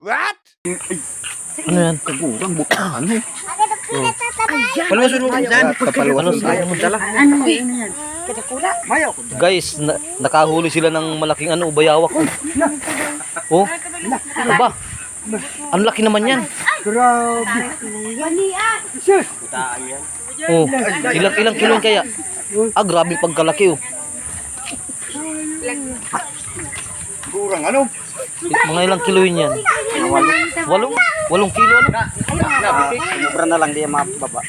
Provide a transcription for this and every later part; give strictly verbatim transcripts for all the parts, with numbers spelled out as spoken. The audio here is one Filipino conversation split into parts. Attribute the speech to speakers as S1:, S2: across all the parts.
S1: What?
S2: Ano yan?
S3: Kagurang bukaan eh.
S1: Paluwasan mo dyan.
S3: Kapaluwasan
S2: Ayaw mo dala.
S4: Ano yan? Kadakula.
S1: Mayaw ko.
S2: Guys, na nakahuli sila ng malaking ano, bayawak. Oh. Oh. Ano ba? Ang laki naman yan.
S3: Grabe.
S1: Butaan yan.
S2: Oh. Ilang ilang kilo yan kaya? Ah, grabe pagkalaki oh.
S3: Gurang ano?
S2: Mga ilang kilo yun yan? Walong? Walong kilo ano?
S3: Sobra na lang di mababa.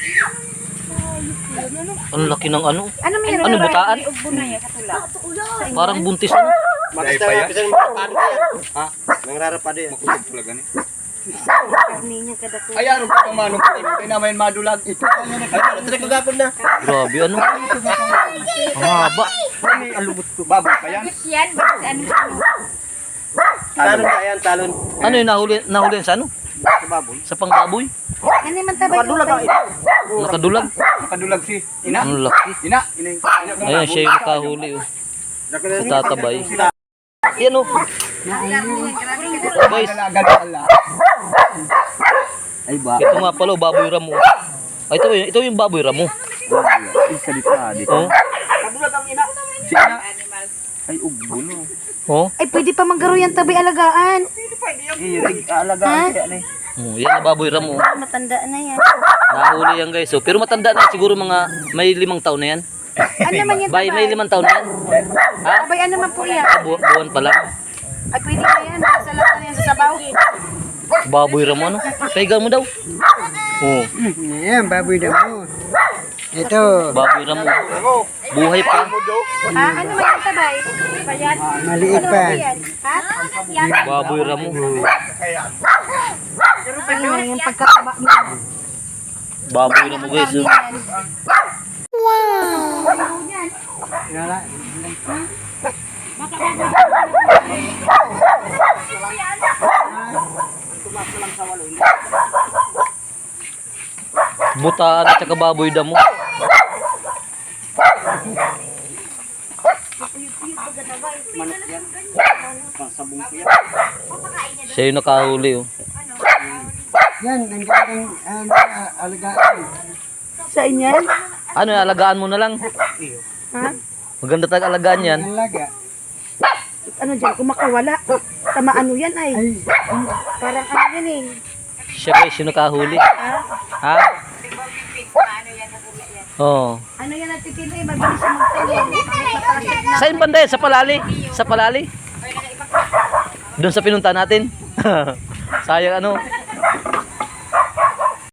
S2: Ang laki ng ano?
S4: Ano meron?
S2: Ano, butaan? Parang buntis ano?
S1: Matay pa yan. Ha? Nangrarapado yan. Makutog pala gani.
S4: Karninya kadakula.
S1: Ay, ano pa manong pa tayo? Kaya naman madulag. Ito. Ay, natrek magapon na.
S2: Grabe ano? Ang haba.
S1: Ang lubot ko. Baboy pa yan.
S4: Yan, ano?
S1: Talon ka yan, talon.
S2: Ano yung nahuli, nahuli yan sa ano?
S1: Sa baboy.
S2: Sa pangbaboy?
S4: Ano man tabay?
S1: Nakadulag ang ina.
S2: Nakadulag?
S1: Nakadulag si ina.
S2: Ang laki.
S1: Ina. Ina yung ina.
S2: Ayan, siya yung nakahuli oh. Sa tatabay. Yan oh. Guys,
S3: Ay ba?
S2: ito nga pala oh, baboy ramo. Ay, ito, ito yung baboy ramo.
S3: Isa dito ah, dito.
S2: Oh.
S1: Nakadulag ang ina. Si ina.
S3: Ay ugbo no.
S2: Oh.
S4: Ay, pwede pa manggaro yan tabay alagaan.
S3: Eh, yung alagaan kaya na eh.
S2: Oh, yan na baboy ramo.
S4: Matanda na yan.
S2: Nahuli yan guys. Oh. Pero matanda na siguro mga may limang taon na yan.
S4: Ano naman yan
S2: Bay, may
S4: tabay?
S2: limang taon na yan. Ha?
S4: Tabay, ano man po yan?
S2: Ah, bu buwan pa lang.
S4: Ay, pwede na yan. Sa lahat na yan sa sabaw.
S2: Baboy ramo ano? Paiga mo daw. Oh,
S3: Yan, baboy na mo. Ito.
S2: baboy ramo. Buhay pa.
S4: Ha? Ano man yan tabay? Bayan?
S3: Maliit
S4: Ano
S3: pa.
S4: man yan? Ha? Yan.
S2: Baboy ramo.
S4: Ano yung pagkataba mo?
S2: Baboy ramo guys. Oh. Butaan at saka baboy damo. Siya yung nakahuli oh.
S3: Yan, ang gandang uh, alagaan.
S4: Sa inyan?
S2: Ano, alagaan mo na lang.
S4: Ha?
S2: Maganda tag alagaan yan.
S3: Alaga.
S4: Ano dyan? Kung makawala. Tama ano yan ay?
S3: Ay,
S4: Parang ano yan eh.
S2: Siya guys yung nakahuli. Ha? Oh.
S4: Ano yan nagtitinda eh? Mabilis siya magtayo.
S2: Saan banda yan? Sa palali? Sa palali? Doon sa pinunta natin? Sayang ano?